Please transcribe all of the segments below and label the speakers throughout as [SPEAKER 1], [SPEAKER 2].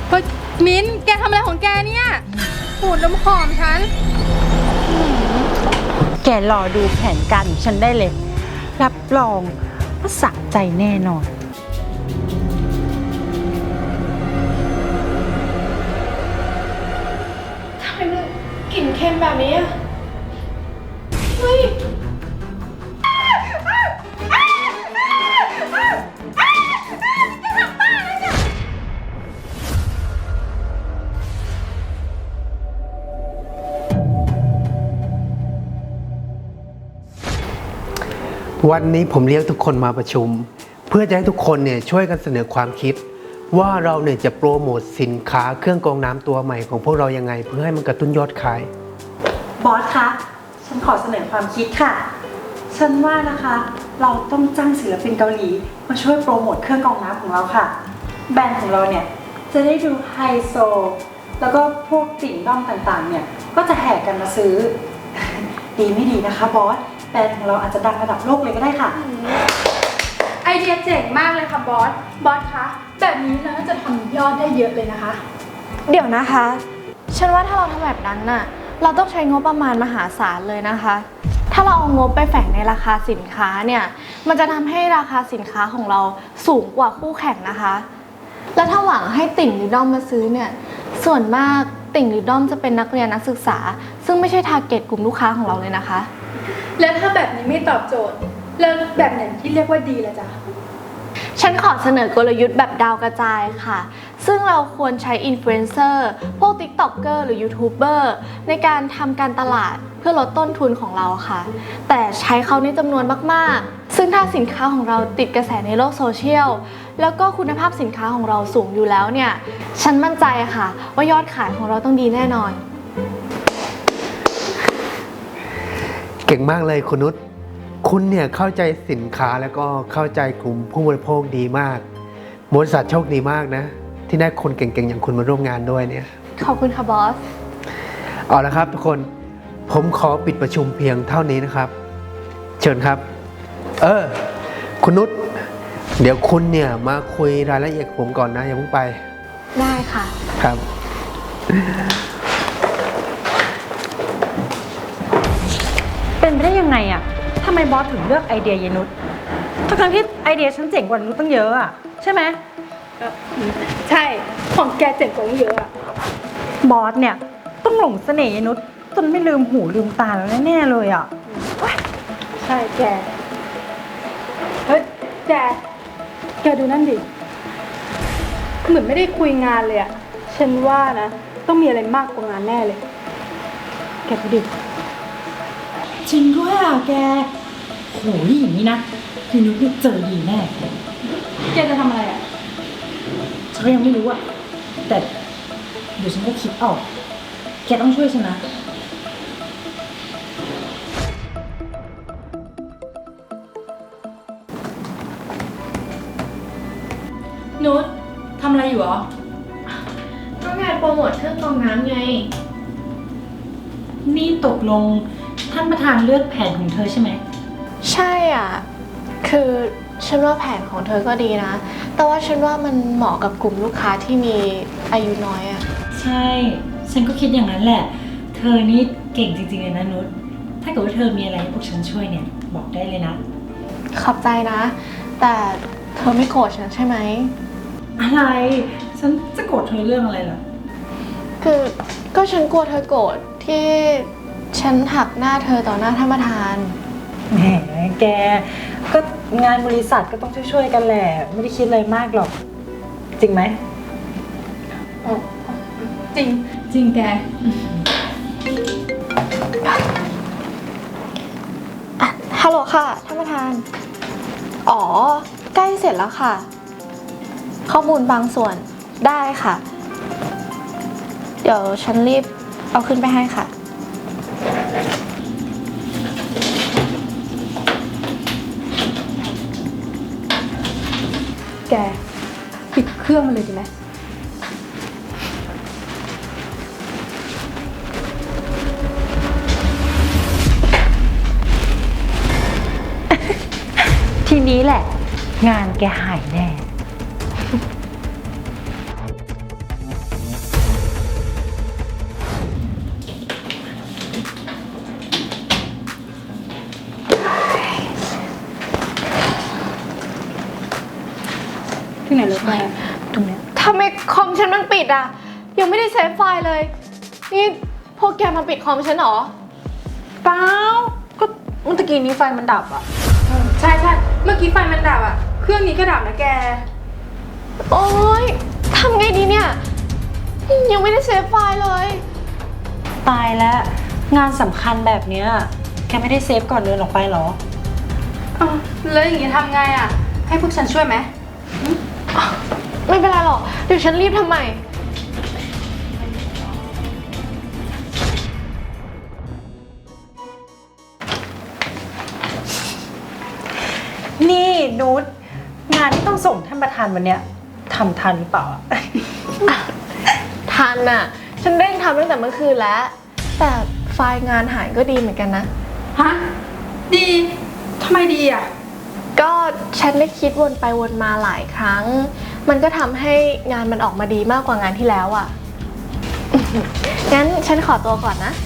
[SPEAKER 1] เฮ้ยมิ้นแกทำอะไรของแกเนี่ยปูดน้ำหอมฉัน
[SPEAKER 2] แกรอดูแผนการของฉันได้เลย รับรองว่าสะใจแน่นอน
[SPEAKER 1] ทำไมมันกลิ่นเค็มแบบนี้อะเฮ้ย
[SPEAKER 3] วันนี้ผมเรียกทุกคนมาประชุม เพื่อจะให้ทุกคนเนี่ยช่วยกันเสนอความคิด ว่าเราเนี่ยจะโปรโมทสินค้าเครื่องกรองน้ำตัวใหม่ของพวกเรายังไง เพื่อให้มันกระตุ้นยอดขาย
[SPEAKER 2] บอสคะ ฉันขอเสนอความคิดค่ะ ฉันว่านะคะ เราต้องจ้างศิลปินเกาหลีมาช่วยโปรโมทเครื่องกรองน้ำของเราค่ะ แบรนด์ของเราเนี่ยจะได้ดูไฮโซ แล้วก็พวกติ่งด้อมต่างๆเนี่ยก็จะแห่กันมาซื้อ ดีไม่ดีนะคะบอส แบรนด์ของเราอาจจะดังระดับโลกเลยก็ได้ค่ะ
[SPEAKER 1] ไอเดียเจ๋งมากเลยค่ะบอส บอสคะแบบนี้เราน่าจะทำยอดได้เยอะเลยนะคะ
[SPEAKER 4] เดี๋ยวนะคะ ฉันว่าถ้าเราทำแบบนั้นน่ะ เราต้องใช้งบประมาณมหาศาลเลยนะคะ ถ้าเราเอางบไปแฝงในราคาสินค้าเนี่ย มันจะทำให้ราคาสินค้าของเราสูงกว่าคู่แข่งนะคะ แล้วถ้าหวังให้ติ่งหรือด้อมมาซื้อเนี่ย ส่วนมากติ่งหรือด้อมจะเป็นนักเรียนนักศึกษา ซึ่งไม่ใช่ทาร์เก็ตกลุ่มลูกค้าของเราเลยนะคะ
[SPEAKER 1] แล้วถ้าแบบนี้ไม่ตอบโจทย์ แล้วแบบไหนที่เรียกว่าดีล่ะจ๊ะ
[SPEAKER 4] ฉันขอเสนอกลยุทธ์แบบดาวกระจายค่ะ ซึ่งเราควรใช้อินฟลูเอนเซอร์ พวก TikToker หรือยูทูบเบอร์ในการทำการตลาดเพื่อลดต้นทุนของเราค่ะ แต่ใช้เขาในจำนวนมากๆ ซึ่งถ้าสินค้าของเราติดกระแสในโลกโซเชียล แล้วก็คุณภาพสินค้าของเราสูงอยู่แล้วเนี่ย ฉันมั่นใจค่ะว่ายอดขายของเราต้องดีแน่นอน
[SPEAKER 3] เก่งมากเลยคุณนุชคุณเนี่ยเข้าใจสินค้าแล้วก็เข้าใจกลุ่มผู้บริโภคดีมากบริษัทโชคดีมากนะ ที่ได้คนเก่งๆอย่างคุณมาร่วมงานด้วยเนี่ย
[SPEAKER 4] ขอบคุณค่ะบอส
[SPEAKER 3] เอาละครับทุกคนผมขอปิดประชุมเพียงเท่านี้นะครับ เชิญครับ คุณนุชเดี๋ยวคุณเนี่ยมาคุยรายละเอียดกับผมก่อนนะอย่าเพิ่งไป
[SPEAKER 4] ได้ค่ะ
[SPEAKER 3] ครับ
[SPEAKER 2] เป็นไปได้ยังไงอะทำไมบอสถึงเลือกไอเดียเยนุชทั้งที่ไอเดียฉันเจ๋งกว่านุชตั้งเยอะอะใช่ไหม
[SPEAKER 1] ใช่ ของแกเจ๋งกว่าเยอะอะ
[SPEAKER 2] บอสเนี่ยต้องหลงเสน่ห์ยนุชจนไม่ลืมหูลืมตาแล้วแน่ๆเลยอ่ะ
[SPEAKER 1] ใช่แก เฮ้ยแกดูนั่นดิ เหมือนไม่ได้คุยงานเลยอะฉันว่านะ ต้องมีอะไรมากกว่างานแน่เลย แกดูดิ
[SPEAKER 2] จริงด้วยอ่ะแกโหยอย่างนี้นะยนุชเนี่ยเจอดีแน่
[SPEAKER 1] แกจะทำอะไรอะ
[SPEAKER 2] ฉันก็ยังไม่รู้อ่ะแต่เดี๋ยวฉันก็คิดออกแกต้องช่วยฉันนะ
[SPEAKER 1] นุชทำอะไรอยู่หรอ
[SPEAKER 4] ก็งานโปรโมทเครื่องกรองน้ำไง
[SPEAKER 2] นี่ตกลงท่านประธานเลือกแผนของเธอใช่ไหม
[SPEAKER 4] ใช่อ่ะ คือฉันว่าแผนของเธอก็ดีนะ แต่ว่าฉันว่ามันเหมาะกับกลุ่มลูกค้าที่มีอายุน้อยอ่ะ
[SPEAKER 5] ใช่ ฉันก็คิดอย่างนั้นแหละ เธอนี่เก่งจริงๆเลยนะนุช ถ้าเกิดว่าเธอมีอะไรให้พวกฉันช่วยเนี่ย บอกได้เลยนะ
[SPEAKER 4] ขอบใจนะ แต่เธอไม่โกรธฉันใช่ไหม
[SPEAKER 5] อะไร ฉันจะโกรธเธอเรื่องอะไรล่ะ
[SPEAKER 4] คือก็ฉันกลัวเธอโกรธที่ฉันหักหน้าเธอต่อหน้าท่านประธาน
[SPEAKER 2] แหมแกก็งานบริษัทก็ต้องช่วยๆกันแหละ ไม่ได้คิดอะไรมากหรอก จริงไหม
[SPEAKER 1] จริง จริงแก
[SPEAKER 4] ฮัลโหลค่ะท่านประธาน อ๋อ ใกล้เสร็จแล้วค่ะ ข้อมูลบางส่วนได้ค่ะ เดี๋ยวฉันรีบเอาขึ้นไปให้ค่ะ
[SPEAKER 1] แก ปิดเครื่องมันเลยดีไหม
[SPEAKER 2] ทีนี้แหละ งานแกหายแน่
[SPEAKER 5] ตรงเนี้ย
[SPEAKER 4] ทำไมคอมฉันมันปิดอ่ะ ยังไม่ได้เซฟไฟล์เลย นี่พวกแกมาปิดคอมฉันเหรอ
[SPEAKER 2] เปล่าก็เมื่อกี้นี้ไฟมันดับอะ
[SPEAKER 1] ใช่ใช่เมื่อกี้ไฟมันดับอ่ะ เครื่องนี้ก็ดับนะแก
[SPEAKER 4] โอ๊ยทำไงดีเนี่ย ยังไม่ได้เซฟไฟล์เลย
[SPEAKER 2] ตายแล้วงานสำคัญแบบเนี้ยแกไม่ได้เซฟก่อนเดินออกไปเหรอ
[SPEAKER 1] อ้าวแล้วอย่างนี้ทำไงอ่ะ ให้พวกฉันช่วยไหม
[SPEAKER 4] ไม่เป็นไรหรอก เดี๋ยวฉันรีบทำใหม่
[SPEAKER 2] นี่นุชงานที่ต้องส่งท่านประธานวันเนี้ยทำทันหรือเปล่าอะ
[SPEAKER 4] ทันน่ะ ฉันเร่งทำตั้งแต่เมื่อคืนแล้ว แต่ไฟล์งานหายก็ดีเหมือนกันนะ
[SPEAKER 1] ฮะ ดีทำไมดีอ่ะ
[SPEAKER 4] ก็ฉันได้คิดวนไปวนมาหลายครั้ง มันก็ทำให้งานมันออกมาดีมากกว่างานที่แล้วอ่ะ งั้นฉันขอตัวก่อนนะ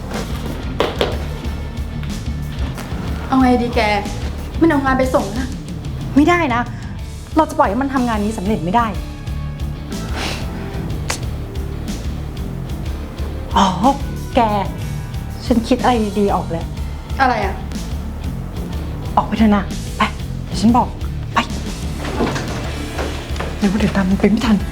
[SPEAKER 1] เอาไงดีแก มันเอางานไปส่งนะ
[SPEAKER 2] ไม่ได้นะ เราจะปล่อยให้มันทำงานนี้สำเร็จไม่ได้ อ๋อ แก ฉันคิดอะไรดีๆออกแล้ว
[SPEAKER 1] อะไรอ่ะ
[SPEAKER 2] ออกไปเถอะนะ ไป เดี๋ยวฉันบอก ไปเดี๋ยวตามมันไปไม่ทัน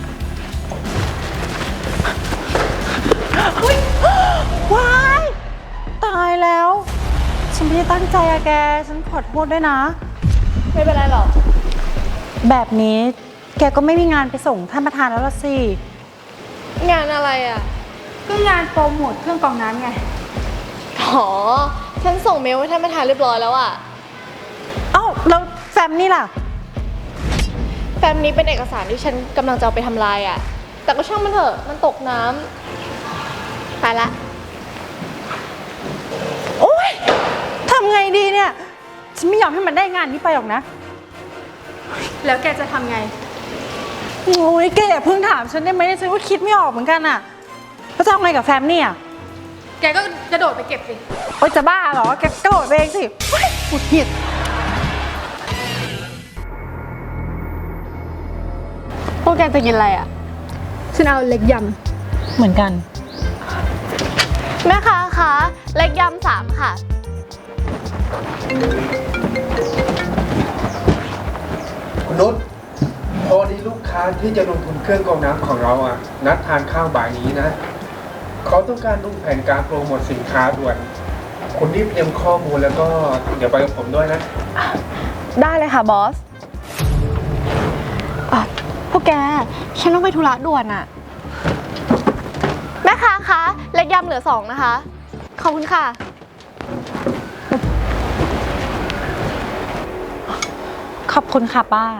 [SPEAKER 2] เฮ้ยว้าย ตายแล้ว ฉันไม่ได้ตั้งใจอะแก ฉันขอโทษด้วยนะ
[SPEAKER 4] ไม่เป็นไรหรอก
[SPEAKER 2] แบบนี้แกก็ไม่มีงานไปส่งท่านประธานแล้วล่ะสิ
[SPEAKER 4] งานอะไรอ่ะ
[SPEAKER 1] ก็งานโปรโมทเครื่องกรองน้ำไง
[SPEAKER 4] อ๋อ ฉันส่งเมลให้ท่านประธานเรียบร้อยแล้วอ่ะ
[SPEAKER 2] เอ้าแล้วแฟมนี่ล่ะ
[SPEAKER 4] แฟ้มนี้เป็นเอกสารที่ฉันกำลังจะเอาไปทำลายอ่ะ แต่ก็ช่างมันเถอะ มันตกน้ำไปละ
[SPEAKER 2] โอ๊ยทำไงดีเนี่ย ฉันไม่ยอมให้มันได้งานนี้ไปหรอกนะ
[SPEAKER 1] แล้วแกจะทำไง
[SPEAKER 2] โอ้ยแกอย่าเพิ่งถามฉันได้ไหมฉันก็คิดไม่ออกเหมือนกันอะแล้วจะเอาไงกับแฟมนี่อะ
[SPEAKER 1] แกก็กระโดดไปเก็บสิ
[SPEAKER 2] โอ๊ยจะบ้าเหรอ แกกระโดดไปเองสิเฮ้ยหงุดหงิด
[SPEAKER 4] พวกแกจะกินอะไรอ่ะ
[SPEAKER 1] ฉันเอาเล็กย
[SPEAKER 2] เหมือนกัน
[SPEAKER 4] แม่ค้าคะเล็กยำ3ค่ะ
[SPEAKER 3] คุณนุชพอดีลูกค้าที่จะลงทุนเครื่องกรองน้ำของเราอ่ะ นัดทานข้าวบ่ายนี้นะ เขาต้องการดูแผนการโปรโมทสินค้าด่วน คุณรีบเตรียมข้อมูลแล้วก็เดี๋ยวไปกับผมด้วยนะ
[SPEAKER 4] ได้เลยค่ะบอสพวกแก ฉันต้องไปธุระด่วนอะแม่ค้าคะเล็กยำเหลือ2นะคะ ขอบคุณค่ะ
[SPEAKER 2] ขอบคุณค่ะป้า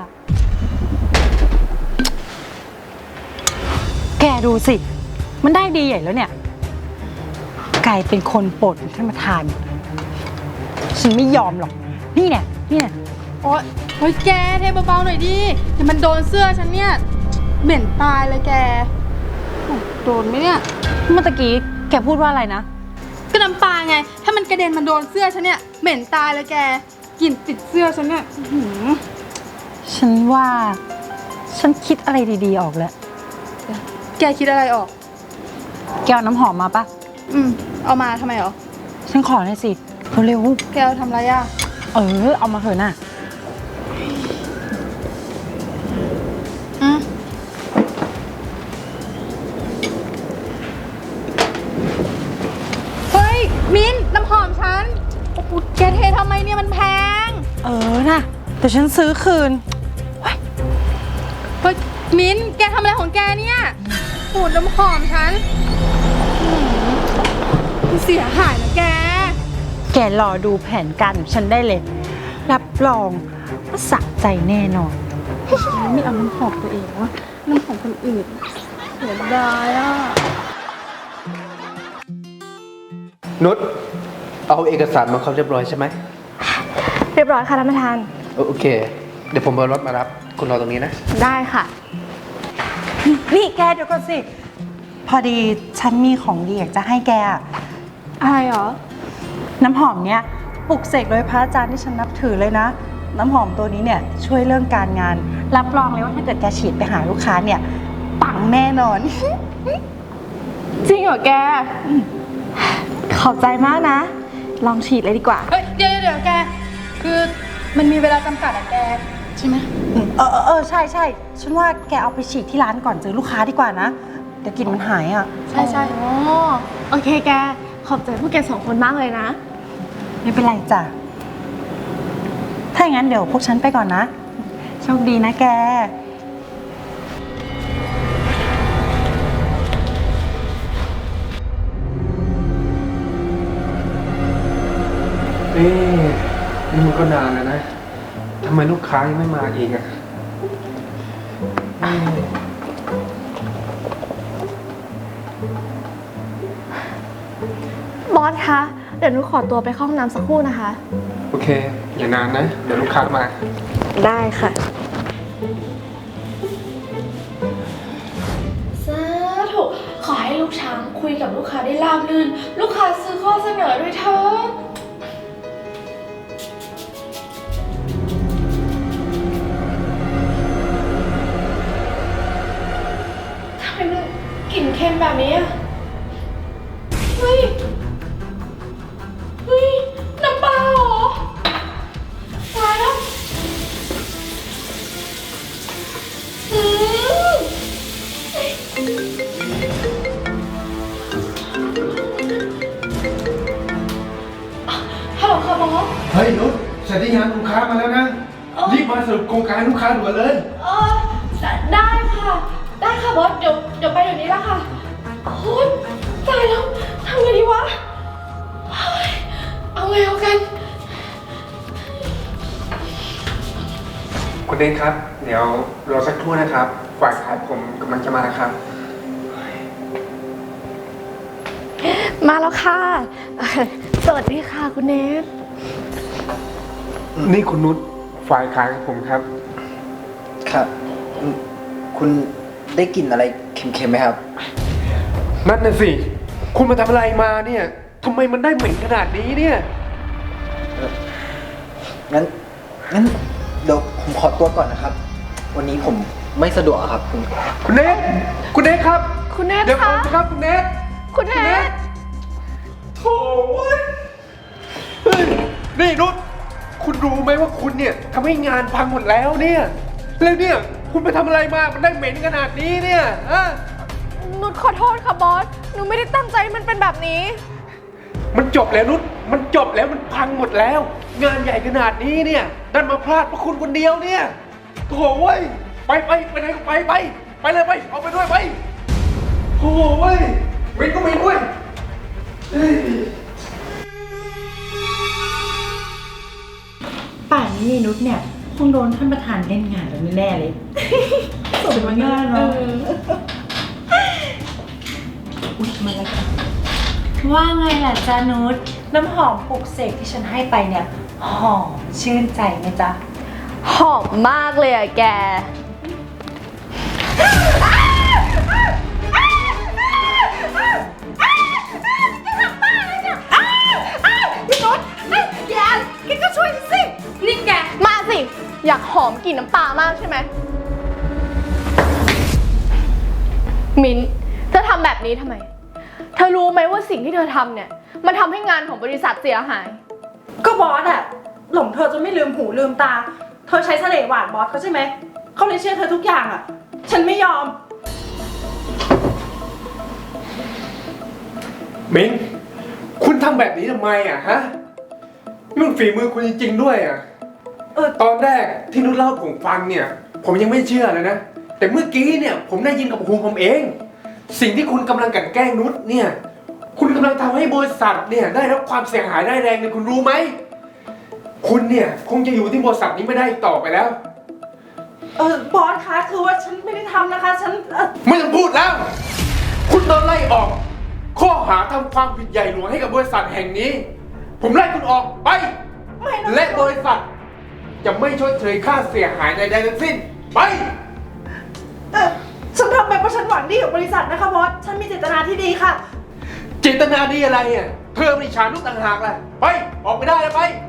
[SPEAKER 2] แกดูสิ มันได้ดีใหญ่แล้วเนี่ย กลายเป็นคนโปรดของท่านประธาน ฉันไม่ยอมหรอก นี่เนี่ย
[SPEAKER 1] ำโอ๊ยแกเทเบาๆหน่อยดิเดี๋ยวมันโดนเสื้อฉันเนี่ย เหม็นตายเลยแกโอ้โดนไหมเนี่ย
[SPEAKER 2] เมื่อตะกี้แกพูดว่าอะไรนะ
[SPEAKER 1] ก็น้ำปลาไง ถ้ามันกระเด็นมาโดนเสื้อฉันเนี่ย เหม็นตายเลยแก กลิ่นติดเสื้อฉันเนี่ยอื้อหือ
[SPEAKER 2] ฉันว่า ฉันคิดอะไรดีๆออกแล้ว
[SPEAKER 1] แกคิดอะไรออก
[SPEAKER 2] แกเอาน้ำหอมมาปะ
[SPEAKER 1] เอามาทำไมหรอ
[SPEAKER 2] ฉันขอหน่อยสิ เร็ว
[SPEAKER 1] แกเอาทำอะไรอ่ะ
[SPEAKER 2] ๆเอามาเถอะน่ะ
[SPEAKER 1] เฮ้ย มิ้นท์น้ำหอมฉัน โอ้โหแกเททำไมเนี่ยมันแพง
[SPEAKER 2] น่ะแต่ฉันซื้อคืน
[SPEAKER 1] เฮ้ย มิ้นท์แกทำอะไรของแกเนี่ยปูดน้ำหอมฉันอื้อหือมันเสียหายนะแก
[SPEAKER 2] แกรอดูแผนการของฉันได้เลย รับรองว่าสะใจแน่นอน
[SPEAKER 1] ไม่เอาน้ำหอมตัวเองวะน้ำหอมคนอื่นเสียดายอ่ะ
[SPEAKER 3] นุชเอาเอกสารมาครบเรียบร้อยใช่ไหม
[SPEAKER 4] เรียบร้อยค่ะท่านประธาน
[SPEAKER 3] โอเค เดี๋ยวผมเอารถมารับ คุณรอตรงนี้นะ
[SPEAKER 4] ได้ค่ะ
[SPEAKER 2] นี่แกเดี๋ยวก่อนสิ พอดีฉันมีของดีอยากจะให้แกอะ
[SPEAKER 1] อะไรเหรอ
[SPEAKER 2] น้ำหอมเนี้ยปลุกเสกโดยพระอาจารย์ที่ฉันนับถือเลยนะน้ำหอมตัวนี้เนี่ยช่วยเรื่องการงาน รับรองเลยว่าถ้าเกิดแกฉีดไปหาลูกค้าเนี่ยปังแน่นอน
[SPEAKER 4] จริงเหรอแก ขอบใจมากนะ ลองฉีดเลยดีกว่า
[SPEAKER 1] เฮ้ยเดี๋ยวแก คือมันมีเวลาจำกัดอะแก ใช่ไหม
[SPEAKER 2] ใช่ใช่ฉันว่าแกเอาไปฉีดที่ร้านก่อนเจอลูกค้าดีกว่านะเดี๋ยวกลิ่นมันหายอ่ะ
[SPEAKER 4] ใช่อ๋อโอเคแก ขอบใจพวกแก2 คนมากเลยนะ
[SPEAKER 2] ไม่เป็นไรจ้ะถ้าอย่างนั้นเดี๋ยวพวกฉันไปก่อนนะโชคดีนะแก
[SPEAKER 3] นี่มันก็นานแล้วนะทำไมลูกค้ายังไม่มาอีกอ่ะ
[SPEAKER 4] บอสคะ เดี๋ยวหนูขอตัวไปเข้าห้องน้ำสักครู่นะคะ
[SPEAKER 3] โอเค อย่านานนะ เดี๋ยวลูกค้ามา
[SPEAKER 4] ได้ค่ะสาธุขอให้ลูกช้างคุยกับลูกค้าได้ราบรื่น ลูกค้าซื้อข้อเสนอด้วยเถิดทำไมมันกลิ่นเค็มแบบนี้อะเฮ้ย น้ำปลาเหรอตายแล้ว ฮัลโหลค่ะบอส
[SPEAKER 3] เฮ้ยนุชเสร็จหรือยังลูกค้ามาแล้วนะ รีบมาสรุปโครงการให้ลูกค้าด่วนเลย
[SPEAKER 4] ได้ค่ะ ได้ค่ะบอส เดี๋ยวไปเดี๋ยวนี้ละค่ะโอ๊ยตายแล้ว ทำไงดีวะเฮ้ยเอาไงเอากัน
[SPEAKER 3] คุณเดนครับ เดี๋ยวรอสักครู่นะครับฝ่ายขายผมกำลังจะมาครับ
[SPEAKER 4] มาแล้วค่ะ สวัสดีค่ะคุณเนท
[SPEAKER 3] นี่คุณนุชฝ่ายขายของผมครับ
[SPEAKER 6] ครับคุณได้กลิ่นอะไรเค็มๆไหมครับ
[SPEAKER 3] นั่นน่ะสิ คุณมาทำอะไรมาเนี่ยทำไมมันได้เหม็นขนาดนี้เนี่ย
[SPEAKER 6] งั้นเดี๋ยวผมขอตัวก่อนนะครับ วันนี้ผมไม่สะดวกอะครับคุณ
[SPEAKER 3] คุณเนทคุณเนทครับ
[SPEAKER 4] คุณเนท
[SPEAKER 3] เดี๋ยวผ
[SPEAKER 4] คะ
[SPEAKER 3] มนะครับคุณเนท
[SPEAKER 4] คุณเนท
[SPEAKER 3] โถ่เว้ยเฮ้ยนี่นุชคุณรู้ไหมว่าคุณเนี่ยทำให้งานพังหมดแล้วเนี่ย แล้วเนี่ยคุณไปทำอะไรมา มันได้เหม็นขนาดนี้เนี่ยฮะ
[SPEAKER 4] นุชขอโทษค่ะบอส หนูไม่ได้ตั้งใจให้มันเป็นแบบนี้
[SPEAKER 3] มันจบแล้วนุชมันจบแล้วมันพังหมดแล้ว งานใหญ่ขนาดนี้เนี่ยดันมาพลาดเพราะคุณคนเดียวเนี่ยโถ่เว้ยไปไหนก็ไปเลยไปเอาไปด้วยไปโถ่เว้ยเหม็นก็เหม็นด้วยเฮ้ย
[SPEAKER 5] ป่านนี้นุชเนี่ยคงโดนท่านประธานเล่นงานแล้วแน่ๆเลย สมงานเนาะอุ๊ยมาแล้วค่ะว่าไงล่ะจ๊ะนุชน้ำหอมปลุกเสกที่ฉันให้ไปเนี่ยหอมชื่นใจไหมจ๊ะ
[SPEAKER 4] หอมมากเลยอะแก พี่นุชแกก็ช่วยสิ นี่แก มาสิ อยากหอมกลิ่นน้ำปลามากใช่ไหม มิ้น เธอทำแบบนี้ทำไม เธอรู้ไหมว่าสิ่งที่เธอทำเนี่ย มันทำให้งานของบริษัทเสียหาย
[SPEAKER 2] ก็บอสอะหลงเธอจนไม่ลืมหูลืมตา เธอใช้เสน่ห์หวานบอสเขาใช่ไหมเขาเลยเชื่อเธอทุกอย่างอะฉันไม่ยอม
[SPEAKER 3] มิ้นคุณทำแบบนี้ทำไมอ่ะฮะนี่มันฝีมือคุณจริงๆด้วยอ่ะตอนแรกที่นุชเล่าให้ผมฟังเนี่ย ผมยังไม่เชื่อเลยนะ แต่เมื่อกี้เนี่ยผมได้ยินกับหูผมเอง สิ่งที่คุณกำลังกลั่นแกล้งนุชเนี่ย คุณกำลังทำให้บริษัทเนี่ยได้รับความเสียหายได้แรงเลยคุณรู้ไหมคุณเนี่ยคงจะอยู่ที่บริษัทนี้ไม่ได้อีกต่อไปแล้ว
[SPEAKER 2] บอสคะคือว่าฉันไม่ได้ทำนะคะฉัน
[SPEAKER 3] ไม่ต้องพูดแล้ว คุณโดนไล่ออก ข้อหาทำความผิดใหญ่หลวงให้กับบริษัทแห่งนี้ ผมไล่คุณออกไป
[SPEAKER 2] ไม่นะ
[SPEAKER 3] และบริษัท จะไม่ชดเชยค่าเสียหายใดๆทั้งสิ้น ไป
[SPEAKER 2] ฉันทำไปเพราะฉันหวังดีกับบริษัทนะคะบอสฉันมีเจตนาที่ดีค่ะ
[SPEAKER 3] เจตนาดีอะไรอ่ะเธอไม่ฉานุษย์ต่างหากแหละไป ออกไปได้แล้วไป